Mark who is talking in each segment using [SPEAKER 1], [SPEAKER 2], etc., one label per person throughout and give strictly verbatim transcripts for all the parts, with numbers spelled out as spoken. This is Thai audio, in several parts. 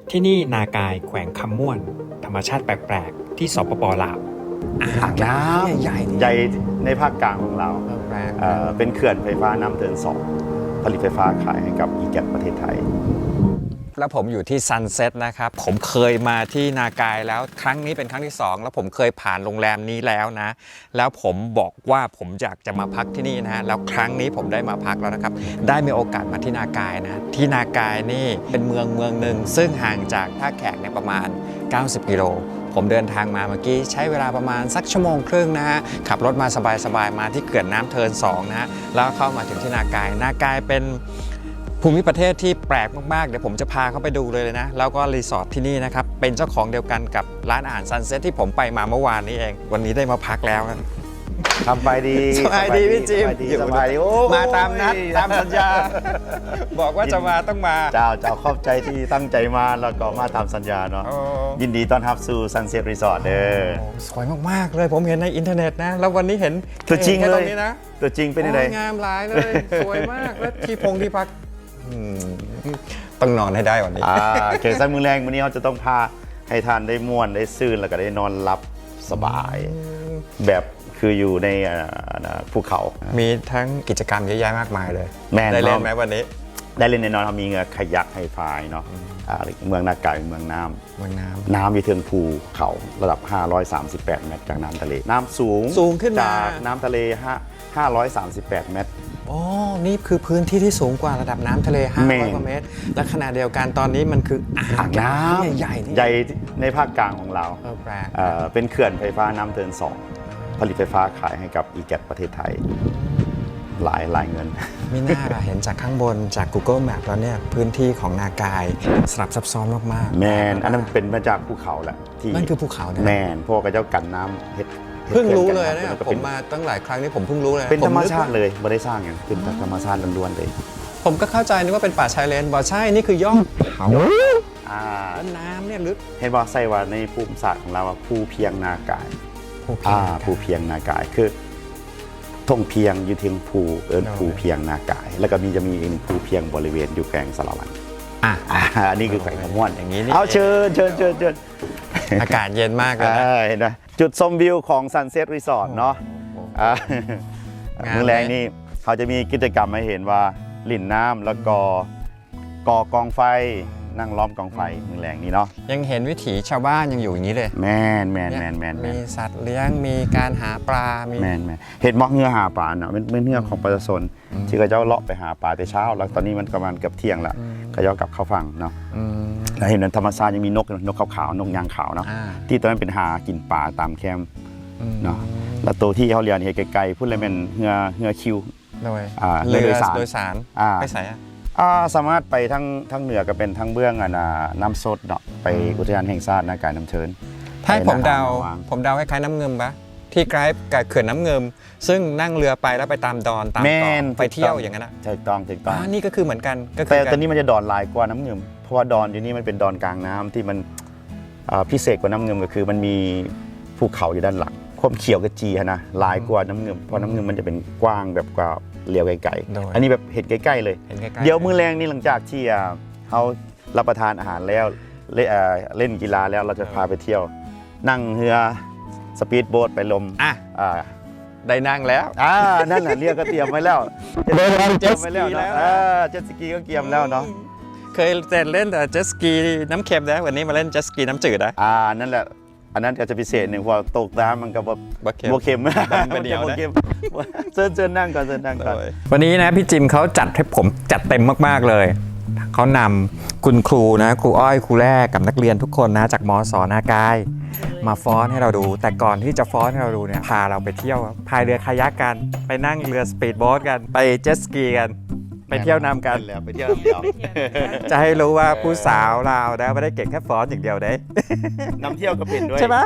[SPEAKER 1] ที่นี่นากายแขวงคำม่วนธรรมชาติแปลกๆที่สปป.ลาว
[SPEAKER 2] อ่างน้ำใหญ่ใหญ่ในภาคกลางของเราเอ่อเป็นเขื่อนไฟฟ้าน้ำเทินสองผลิตไฟฟ้าขายให้กับอีแกตประเทศไทย
[SPEAKER 3] แล้วผมอยู่ที่ซันเซ็ตนะครับผมเคยมาที่นากายแล้วครั้งนี้เป็นครั้งที่สองแล้วผมเคยผ่านโรงแรมนี้แล้วนะแล้วผมบอกว่าผมอยากจะมาพักที่นี่นะฮะแล้วครั้งนี้ผมได้มาพักแล้วนะครับได้มีโอกาสมาที่นากายนะที่นากายนี่เป็นเมืองเมืองหนึ่งซึ่งห่างจากท่าแขกเนี่ยประมาณเก้าสิบกิโลผมเดินทางมาเมื่อกี้ใช้เวลาประมาณสักชั่วโมงครึ่งนะฮะขับรถมาสบายๆมาที่เขื่อนน้ำเทินสองนะฮะแล้วเข้ามาถึงที่นากายนากายเป็นภูมิประเทศที่แปลกมากๆเดี๋ยวผมจะพาเข้าไปดูเลยนะแล้วก็รีสอร์ทที่นี่นะครับเป็นเจ้าของเดียวกันกับร้านอาหารซันเซ็ตที่ผมไปมาเมื่อวานนี้เองวันนี้ได้มาพักแล้วนะ
[SPEAKER 2] ทำไปดี
[SPEAKER 3] สบายดีพี่จิม
[SPEAKER 2] สบายดี
[SPEAKER 3] มาตามนัดตามสัญญาบอกว่าจะมาต้องมา
[SPEAKER 2] เจ้าเจ้าขอบใจที่ตั้งใจมาแล้วก็มาตามสัญญาเนาะยินดีต้อนรับสู่ซันเซ็ตรีสอร์ทเด้อ
[SPEAKER 3] สวยมากๆเลยผมเห็นในอินเทอร์เน็ตนะแล้ววันนี้เห็น
[SPEAKER 2] ตัวจริงเลยตัวจริงเป็นยังไง
[SPEAKER 3] งามหลายเลยสวยมากแล้วที่พงที่พักต้องนอนให้ได้วันนี้
[SPEAKER 2] เขตสันมือแรงวันนี้เขาจะต้องพาให้ทานได้ม่วนได้ซื่นแล้วก็ได้นอนหลับสบายแบบคืออยู่ในภูเขา
[SPEAKER 3] มีทั้งกิจกรรมเยอะแยะมากมายเลย
[SPEAKER 2] ได้
[SPEAKER 3] เล่นไหมวันนี้
[SPEAKER 2] ได้เล่นแน่นอนเขามีเงือขยักไฮไฟเนาะเมืองนากายเมืองน้ำ
[SPEAKER 3] เมืองน้
[SPEAKER 2] ำน้ำมีเทิงภูเขาระดับห้าร้อยสามสิบแปดเมตรจากน้ำทะเลน้ำสูง
[SPEAKER 3] สูงขึ้น
[SPEAKER 2] จากน้ำทะเลห้าร้อยสามสิบแปดเมตร
[SPEAKER 3] อ๋อนี่คือพื้นที่ที่สูงกว่าระดับน้ำทะเลห้าร้อยกว่าเมตรและขณะเดียวกันตอนนี้มันคือ
[SPEAKER 2] อ่างน้ำ
[SPEAKER 3] ใหญ่
[SPEAKER 2] ใหญ่ในภาคกลางของเราเป็นเขื่อนไฟฟ้าน้ำเทินสองผลิตไฟฟ้าขายให้กับอีแกตประเทศไทยหลายหลายเงิน
[SPEAKER 3] ไม่น่าเราเห็นจากข้างบนจาก Google Map แล้วเนี่ยพื้นที่ของนากายสลับซับซ้อนมาก
[SPEAKER 2] ๆแมนอันนั้นเป็นมาจากภูเขาแหละ
[SPEAKER 3] ที่นั่นคือภูเขา
[SPEAKER 2] แมนพวกกระเจ้ากันน้ำเฮ็ด
[SPEAKER 3] เพิ่งรู้เลยนะผมมาตั้งหลายครั้งนี้ผมเพิ่งรู้เลย
[SPEAKER 2] เป็นธรรมชาติเลยไม่ได้สร้างอย่างเป็นธรรมชาติล้วนๆเลย
[SPEAKER 3] ผมก็เข้าใจนึกว่าเป็นป่าชายเลนบ่ใช่นี่คือยอดเขาแล้วน้ำเนี่ยลึก
[SPEAKER 2] เห็นว่าใส่ว่าในภูมิศาสตร์ของเราว่าภูเพียงนากายอ่าภูเพียงนากายคือทงเพียงอยู่เทียงภูเอิญภูเพียงนากายแล้วก็มีจะมีอีกภูเพียงบริเวณอยู่แกงสารวัน
[SPEAKER 3] อ่ะ
[SPEAKER 2] อันนี้คือแขวงขม่วน
[SPEAKER 3] อย่างนี้
[SPEAKER 2] เอาเชิญเชิญเชิญเชิญ
[SPEAKER 3] อากาศเย็นมากเลย
[SPEAKER 2] เห็นไหมจุดชมวิวของซันเซ็ตรีสอร์ทเนาะมื้อแรงนี่เขาจะมีกิจกรรมให้เห็นว่าหลิ่นน้ำแล้วก็ก่อกองไฟนั่งล้อมกองไฟมื้อแรงนี้เนาะ
[SPEAKER 3] ยังเห็นวิถีชาวบ้านยังอยู่อย่างนี้เลย
[SPEAKER 2] แมนแมนแมนแมน
[SPEAKER 3] มีสัตว์เลี้ยงมีการหาปลา
[SPEAKER 2] แมนแมนเห็ดมอกเงือหาปลาเนาะเป็นเงือของประชาชนที่เขาเจ้าเลาะไปหาปลาแต่เช้าแล้วตอนนี้มันประมาณเกือบเที่ยงละเขาเจ้ากลับเข้าฝั่งเนาะแล้วเห็นนั้นธรรมชาติยังมีนกนกขาวๆนกยางขาวเนาะที่ตอนนั้นเป็นหากินปลาตามแคมป์เนาะแล้วตัวที่เขาเรียนเห็นไกลๆพูดเลยเป็นเงือเงือคิว
[SPEAKER 3] เรือโดยสารโดยสารไปใส่
[SPEAKER 2] สามารถไปทั้งทั้งเหนือก็เป็นทั้งเบื้องอ่ะนะน้ำสดเนาะไปอุทยานแห่งชาตินากายน้ำเชิญ
[SPEAKER 3] ถ้าผมเดาผมเดาคล้ายๆน้ำเงิมปะที่ใกล้กับเขื่อนน้ำเงิมซึ่งนั่งเรือไปแล้วไปตามดอนตามเกาะไปเที่ยวอย่างนั้นนะ
[SPEAKER 2] ถูกต้องถูกต้อง
[SPEAKER 3] นี่ก็คือเหมือนกัน
[SPEAKER 2] แต่ตอนนี้มันจะดอนลายกว่าน้ำเงิมเพราะว่าดอนอยู่นี่มันเป็นดอนกลางน้ำที่มันพิเศษกว่าน้ำเงิมก็คือมันมีภูเขาอยู่ด้านหลังความเขียวกระจีนะลายกว่าน้ำเงิมเพราะน้ำเงิมมันจะเป็นกว้างแบบกว่าเลี้ยวไกลๆอันนี้แบบเห็นใกล้ๆเลยเดี๋ยวมื้อแรงนี่หลังจากที่เขารับประทานอาหารแล้วเล่นกีฬาแล้วเราจะพาไปเที่ยวนั่งเรือสปีดโบ๊ทไปลม
[SPEAKER 3] อ่ะได้นั่งแล้ว
[SPEAKER 2] อ่านั่นแหละเรือก็เตรียมไว้แล้วเจ็ตสกีแล้วเจ็ตสกีก็เตรียมแล้วเนาะ
[SPEAKER 3] เคยแต่เล่นแต่เจ็ตสกีน้ำเค็มนะวันนี้มาเล่นเจ็ตสกีน้ำจืดนะ
[SPEAKER 2] อ่านั่นแหละอันนั้นก็จะพิเศษหนึ่งพอตกน้ำมันก็แบบโบเค็ม
[SPEAKER 3] มันเดียวนะ
[SPEAKER 2] เชิญเชิญนั่งก่อนเชิญนั่งก่อน
[SPEAKER 3] วันนี้นะพี่จิมเขาจัดให้ผมจัดเต็มมากๆเลยเขานำคุณครูนะครูอ้อยครูแรกกับนักเรียนทุกคนนะจากมส.นากายมาฟ้อนให้เราดูแต่ก่อนที่จะฟ้อนให้เราดูเนี่ยพาเราไปเที่ยวพายเรือคายักกันไปนั่งเรือสปีดโบ๊ทกันไปเจ็ตสกีกันไปเที่ยวนำกัน
[SPEAKER 2] แล้วไปเที่ยวเดียว
[SPEAKER 3] จะให้รู้ว่าผู้สาวเราได้ไม่ได้เก่งแค่ฟ้อนอย่างเดียวเด้
[SPEAKER 2] นำเที่ยวก็เป็นด้วย
[SPEAKER 3] ใช่ไหม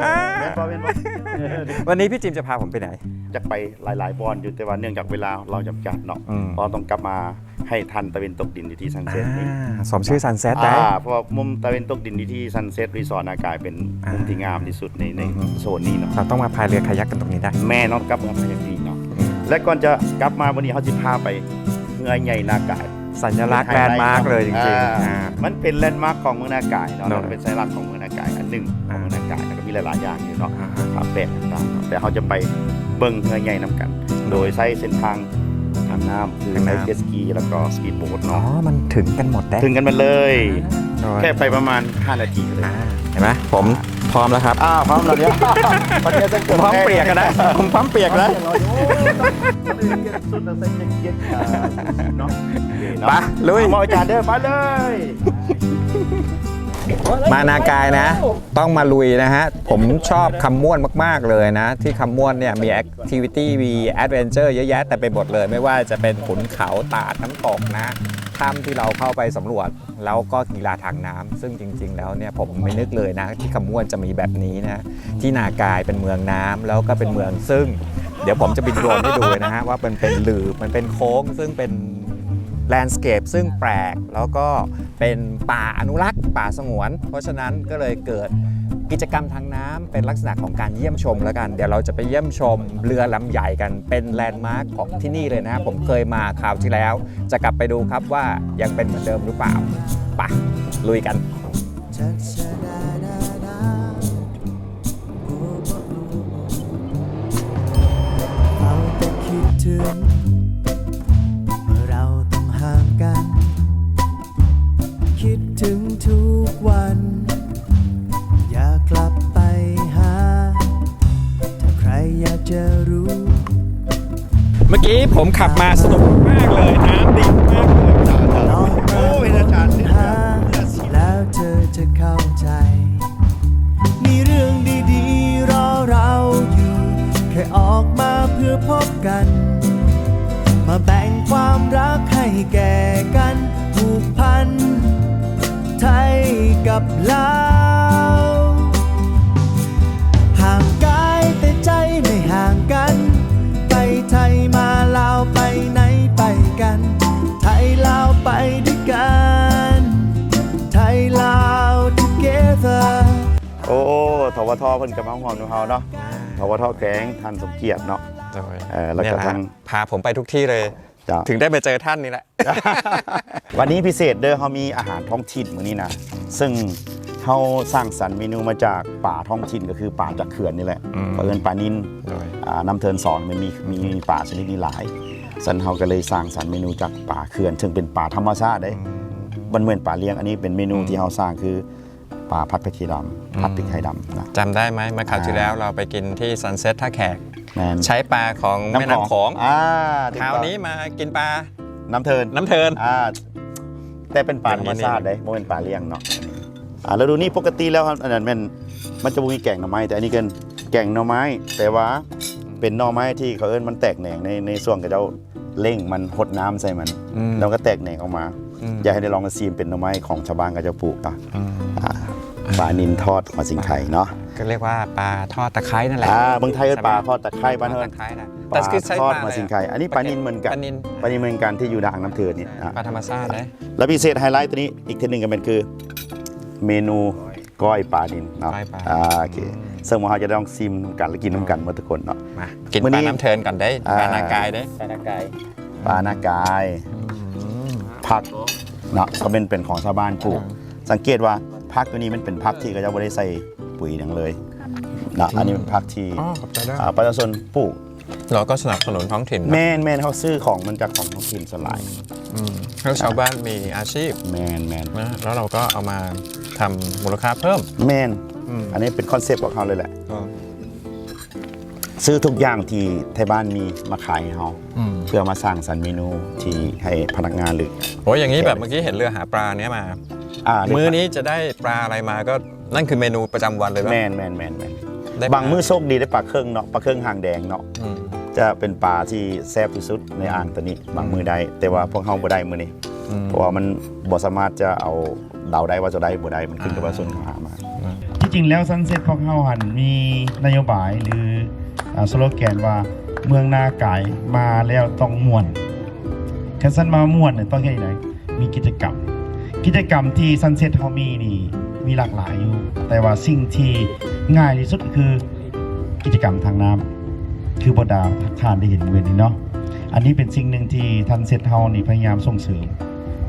[SPEAKER 3] วันนี้พี่จิมจะพาผมไปไหน
[SPEAKER 2] จะไปหลายๆบอลอยู่แต่ว่าเนื่องจากเวลาเราจำกัดเนาะเราต้องกลับมาให้ทันตะวันตกดินที่ซันเซ็ตนี่
[SPEAKER 3] สมชื่อซันเซ็ตได้
[SPEAKER 2] เพราะมุมตะวันตกดินที่ซันเซ็ตรีสอร์ทนากายเป็นมุมที่งามที่สุดในในโซนนี้เนาะ
[SPEAKER 3] เราต้องมาพายเรือคายักกันตรงนี้ได้
[SPEAKER 2] แม่น้องกลับมาพายอย่างนี้เนาะและก่อนจะกลับมาวันนี้เขาจะพาไปเงยใหญ่นากาย
[SPEAKER 3] สัญลักษณ์แลนด์มาร์กเลยจริงๆ
[SPEAKER 2] อ่า
[SPEAKER 3] อ่า
[SPEAKER 2] มันเป็นแลนด์มาร์กของเมืองนากายเนาะ
[SPEAKER 3] เนอะ
[SPEAKER 2] มันเป็นสัญลักษณ์ของเมืองนากายอันหนึ่งของเมืองนากายแล้วก็มีหลายๆอย่างอยู่เนาะ
[SPEAKER 3] อ่า
[SPEAKER 2] ผาแปะต่างๆเนาะแต่เขาจะไปเบิ่งเฮือใหญ่นํกัน โดยใช้เส้นทางทางน้ำคือใช้เจ็ตสกีแล้วก็สปีดโบ๊ท
[SPEAKER 3] อ๋อ
[SPEAKER 2] เนาะ
[SPEAKER 3] มันถึงกันหมดได้
[SPEAKER 2] ถึงกันมาเลย
[SPEAKER 3] โดย
[SPEAKER 2] แค่ไปประมาณห้านาทีเลย
[SPEAKER 3] อ่าเห็นไหมผมพร้อมแล้วครับ
[SPEAKER 2] อ้าวพร้อมแล้วเนี่ยวันนี้จะ
[SPEAKER 3] ผมพร้อมเปียกกันนะผมพร้อมเปียกแล้ว
[SPEAKER 2] สุดแล้วใส่แจ็คเก็ตเนาะ
[SPEAKER 3] ไปลุย
[SPEAKER 2] เอาอาจารย์เด้อไปเลย
[SPEAKER 3] มานากายนะ ต้องมาลุยนะฮะ ผมชอบคำม่วนมาก ๆ เลยนะ ที่คำม่วนเนี่ยมีแอคทิวิตี้มีแอดเวนเจอร์เยอะแยะแต่ไปหมดเลย ไม่ว่าจะเป็นขุนเขาตาดน้ำตกนะถ้ำที่เราเข้าไปสำรวจ แล้วก็กีฬาทางน้ำซึ่งจริง ๆ แล้วเนี่ยผมไม่นึกเลยนะที่คำม่วนจะมีแบบนี้นะที่นากายเป็นเมืองน้ำแล้วก็เป็นเมืองซึ่ง เดี๋ยวผมจะบินโดรนให้ดูเลยนะฮะว่ามันเป็นหลืบมันเป็นโค้งซึ่งเป็นแลนด์สเคปซึ่งแปลกแล้วก็เป็นป่าอนุรักษ์ป่าสงวน เพราะฉะนั้นก็เลยเกิดกิจกรรมทางน้ำเป็นลักษณะของการเยี่ยมชมแล้วกัน เดี๋ยวเราจะไปเยี่ยมชมเรือลำใหญ่กันเป็นแลนด์มาร์คของที่นี่เลยนะผมเคยมาคราวที่แล้ว จะกลับไปดูครับว่ายังเป็นเหมือนเดิมหรือเปล่าไปลุยกัน
[SPEAKER 4] เอาแต่คิดถึงเมื่อเราต้องห่างกัน คิดถึงทุกวัน อยากกลับไปหา ถ้าใครอยากจะรู้
[SPEAKER 3] เมื่อกี้ผมขับมาสนุกมากเลยน้ำดีมากเลย
[SPEAKER 4] ลองมา
[SPEAKER 2] โอ้ยอาจารย์เนี่ย
[SPEAKER 4] หาแล้วเธอจะเข้าใจ มีเรื่องดีๆรอเราอยู่ แค่ออกมาเพื่อพบกัน มาแบ่งความรักให้แก่กันผูกพัน ไทยกับลาวห่างกายแต่ใจไม่ห่างกัน ไปไทยมาลาวไปไหนไปกัน ไทยลาวไปด้วยกัน ไทยลาว together
[SPEAKER 2] โอ้ทวทเพิ่นกับมาหอมนูเฮาเนาะทวทแกงท่านสมเกียรติเนาะ เออแล้วก็
[SPEAKER 3] เนี่ยนะ
[SPEAKER 2] ทาง
[SPEAKER 3] พาผมไปทุกที่เลย
[SPEAKER 2] จ้ะ
[SPEAKER 3] ถึงได้ไปเจอท่านนี่แหละ
[SPEAKER 2] วันนี้พิเศษเด้อเขามีอาหารท้องถิ่นมื้อนี้นะซึ่งเขาสร้างสรรค์เมนูมาจากป่าท้องถิ่นก็คือป่าจากเขื่อนนี่แหละ
[SPEAKER 3] อืม
[SPEAKER 2] เอิ้นป่านิน
[SPEAKER 3] โดย
[SPEAKER 2] อ่าน้ำเทินสอนมันมีมีป่าชนิดนี้หลายสันเขาก็เลยสร้างสรรค์เมนูจากป่าเขื่อนซึ่งเป็นป่าธรรมชาติได้มันเหมือนป่าเลี้ยงอันนี้เป็นเมนูที่เขาสร้างคือป่าพัดพริกไทยดำผัดพริกไทยดำนะ
[SPEAKER 3] จำได้ไหมเมื่อคราวที่แล้วเราไปกินที่ซันเซ็ตท่าแขก
[SPEAKER 2] แมน
[SPEAKER 3] ใช้ปลาของแม่น้ำโขง
[SPEAKER 2] อ่า
[SPEAKER 3] คราวนี้มากินปลา
[SPEAKER 2] น้ำเทิน
[SPEAKER 3] น้ำเทิน
[SPEAKER 2] อ่าแต่เป็นป่าธรรมชาติได้ไม่เป็นป่าเลี้ยงเนาะอ่าแล้วดูนี่ปกติแล้วครับอันนั้นมันมันจะมีแกงหน่อไม้แต่อันนี้เป็นแกงหน่อไม้ แต่ว่าเป็นหน่อไม้ที่เขาเอิ้นมันแตกแหน่งในในส่วนกับเจ้าเล่งมันหดน้ำใส่มัน
[SPEAKER 3] อืม
[SPEAKER 2] แล้วก็แตกแหน่งออกมา
[SPEAKER 3] อืม
[SPEAKER 2] อยากให้ได้ลองมาซีมเป็นหน่อไม้ของชาวบ้านกับเจ้าปลูกอ่ะ
[SPEAKER 3] อืม
[SPEAKER 2] อ่าปลานินทอดมาสิงไข่เนาะ
[SPEAKER 3] ก็เรียกว่าปลาทอดตะไคร้นั่นแหละ
[SPEAKER 2] อ่าเมืองไทยเอิ้นปลาทอดตะไคร้บ้าน
[SPEAKER 3] ทอ
[SPEAKER 2] เอิ้
[SPEAKER 3] ด
[SPEAKER 2] น
[SPEAKER 3] ตะไคร้นะ
[SPEAKER 2] ปลา
[SPEAKER 3] แต่คือใช้
[SPEAKER 2] ทอด
[SPEAKER 3] ปลาะ
[SPEAKER 2] มา
[SPEAKER 3] ไร
[SPEAKER 2] สิงไข่อันนี้ปลานินเหมือนกัน
[SPEAKER 3] ปลานิน
[SPEAKER 2] ปลานินเหมือนกันที่อยู่ด่างน้ำเทินนี่อ่ะ
[SPEAKER 3] ปลาธรรมชาตินะ
[SPEAKER 2] แล้วพิเศษไฮไลท์ตัวนี้อีกทีหนึ่งก็เป็นคือ เมนูก้อยปลานินเนาะ
[SPEAKER 3] ก้อยปลา
[SPEAKER 2] อ่าโอเคซึ่งว่าเราจะต้องซิมน้ำกันและกินน้ำกันหมาทุกคนเนาะ
[SPEAKER 3] มากิน
[SPEAKER 2] มื้อ
[SPEAKER 3] ป
[SPEAKER 2] นี้
[SPEAKER 3] ลาน้ำเทินก่อนได้
[SPEAKER 2] อ่า
[SPEAKER 3] ปลานากายได้ปลานากาย
[SPEAKER 2] ปลาหน้ากายผักเนาะก็เป็นเป็นของชาวบ้านปลูก สังเกตว่าผักตัวนี้มันเป็นผักที่เขาจะไม่ได้ใส่ปุ๋ยอย่างเลยเนาะอันนี้เป็นผักที่
[SPEAKER 3] อ๋อขอบใจด้วย
[SPEAKER 2] อ่าประชาชนปลูก
[SPEAKER 3] เราก็สนับสนุนท้องถิ่นเนอะ
[SPEAKER 2] แม่นแม่นเขาซื้อของมันจากของท้องถิ่นสลาย
[SPEAKER 3] อืมแล้วชาวบ้านมีอาชีพ
[SPEAKER 2] แม่นแม่น
[SPEAKER 3] นะแล้วเราก็เอามาทำมูลค่าเพิ่ม
[SPEAKER 2] แม่น
[SPEAKER 3] อืม
[SPEAKER 2] อันนี้เป็นคอนเซปต์ของเขาเลยแหละ
[SPEAKER 3] ก็
[SPEAKER 2] ซื้อทุกอย่างที่ไทยบ้านมีมาขายให้เขา
[SPEAKER 3] อืม
[SPEAKER 2] เพื่อมาสร้างสรรค์เมนูที่ให้พนักงานหรือ
[SPEAKER 3] โอ้ยอย่างนี้แบบเมื่อกี้เห็นเรือหาปลาเนี้ยมา
[SPEAKER 2] อ่า
[SPEAKER 3] มื้อนี้จะได้ปลาอะไรมาก็นั่นคือเมนูประจำวันเลยปะ
[SPEAKER 2] แมนแมนแมนแมน
[SPEAKER 3] ได้
[SPEAKER 2] บางมื้อโชคดีได้ปลาเครื่องเนาะปลาเครื่องหางแดงเนาะ
[SPEAKER 3] อืม
[SPEAKER 2] จะเป็นปลาที่แซ่บที่สุดในอ่างตัวนี้ บางมื้อได้แต่ว่าพวกเขาบ่ได้มื้อนี้
[SPEAKER 3] อืม
[SPEAKER 2] เพราะว่ามันบ่สามารถจะเอาเดาได้ว่าจะได้บ่ได้มันขึ้นกับว่าส่วนเขาหามา
[SPEAKER 5] ที่จริงแล้วซันเซ็ตของเขาหันมีนโยบายหรืออ่าสโลแกนว่าเมืองนาไก่มาแล้วต้องม่วนแค่สั้นมาม่วนเนี่ยต้องแค่ไหนมีกิจกรรม กิจกรรมที่ซันเซ็ตเขามีนี่มีหลากหลายอยู่ แต่ว่าสิ่งที่ง่ายที่สุดก็คือกิจกรรมทางน้ำคือบดาทานได้เห็นเวรนี้เนาะอันนี้เป็นสิ่งหนึ่งที่ทันเซ็ตเฮานี่พยายามส่งเสริม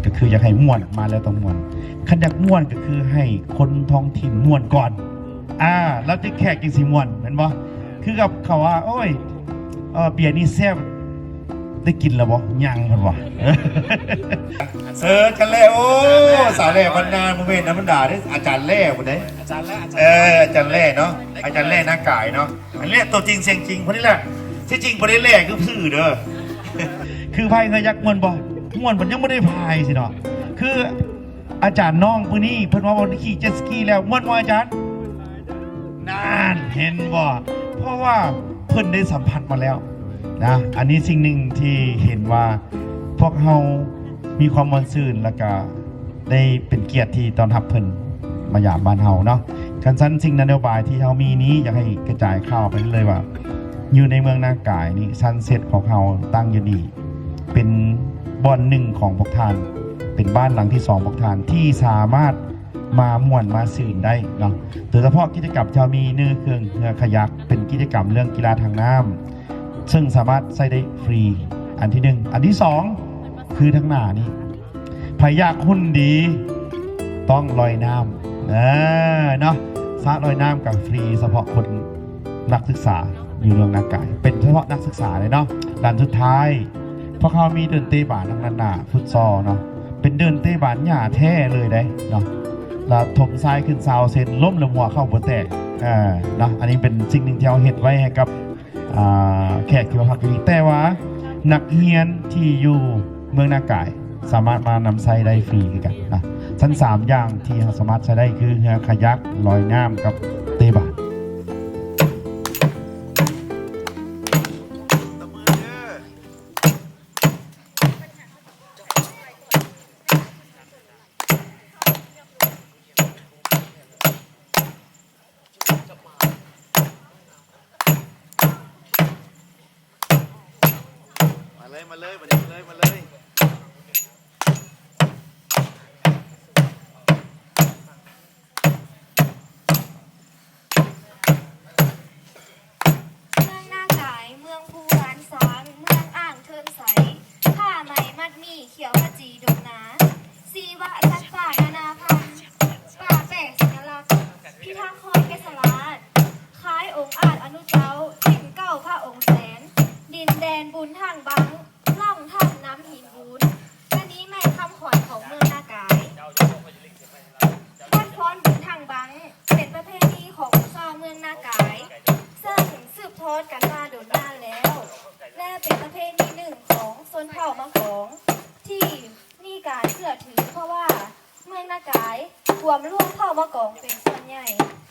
[SPEAKER 5] ก็คืออยากให้ม่วนมาแล้วต้องม่วนคันอยากม่วนก็คือให้คนท้องถิ่นม่วนก่อนอ่าแล้วจะแขกจังสิม่วนแม่นบ่คือกับเขาว่าโอ้ยเออเบียร์นี่แซ่บได้กินแล้วบ่ยังเพิ่นว่าเสิร์ชกันแล้วโอ้สาวแล่บรรณาโมเมนต์ธรรมดาเด้อาจารย์แล่บ่ได้อาจารย์แล่เอออาจารย์แล่เนาะอาจารย์แล่หน้ากายเนาะอันแล่ตัวจริงเสียงจริงคนนี้แหละที่จริงบ่ได้แล่คือซื่อเด้อคือพายเคยยักม่วนบ่ม่วนเพิ่นยังบ่ได้พายสิเนาะคืออาจารย์น้องผู้นี้เพิ่นว่าบ่ได้ขี่เจ็ตสกีแล้วม่วนบ่อาจารย์นานเห็นบ่เพราะว่าเพิ่นได้สัมผัสมาแล้วนะอันนี้สิ่งหนึ่งที่เห็นว่าพวกเฮามีความมวลซื่นแล้วก็ได้เป็นเกียรติที่ต้อนรับเพิ่นมาหยามบ้านเฮาเนาะคันซั่นสิ่งนโยบายที่เฮามีนี้อยากให้กระจายข่าวไปเลยว่าอยู่ในเมืองนากายนี่ซันเซ็ตของเฮาตั้งอยู่นี่เป็นบ่อนหนึ่งของพวกท่านเป็นบ้านหลังที่สองพวกท่านที่สามารถมาม่วนมาสื่นได้เนาะโดยเฉพาะกิจกรรมเฮามีเนื้อเครื่องเรือขยักเป็นกิจกรรมเรื่องกีฬาทางน้ำซึ่งสามารถใช้ได้ฟรีอันที่หนึ่งอันที่สองคือทั้งหน้านี่พยากหุ่นดีต้องลอยน้ำเออเนาะสระลอยน้ำกับฟรีเฉพาะคนนักศึกษาอยู่เมืองนากายเป็นเฉพาะนักศึกษาเลยเนาะด้านสุดท้ายเพราะเขามีเดินเตะบานทางนั้นน่ะฟุตซอลเนาะเป็นเดินเตะบานหญ้าแท้เลยได้เนาะแล้วถมทรายขึ้นซาวเซนล้มละหัวเข้าหัวแตกอ่าเนาะอันนี้เป็นสิ่งหนึ่งที่เราเห็นไว้ให้กับแขกที่มาพักอยู่นี่แต่ว่านักเรียนที่อยู่เมืองนากายสามารถมานำใช้ได้ฟรีกันนะชั้นสามอย่างที่สามารถใช้ได้คือเรือขยักลอยน้ำกับเตะบานมาเลยมาเลยมาเลยมาเลย
[SPEAKER 6] กันมาโดนนานแล้วและเป็นประเพณีหนึ่งของชนเผ่ามังกรที่มีการเชื่อถือเพราะว่าเมืองนากายรวมร่วมเผ่ามังกรเป็นส่วนใหญ่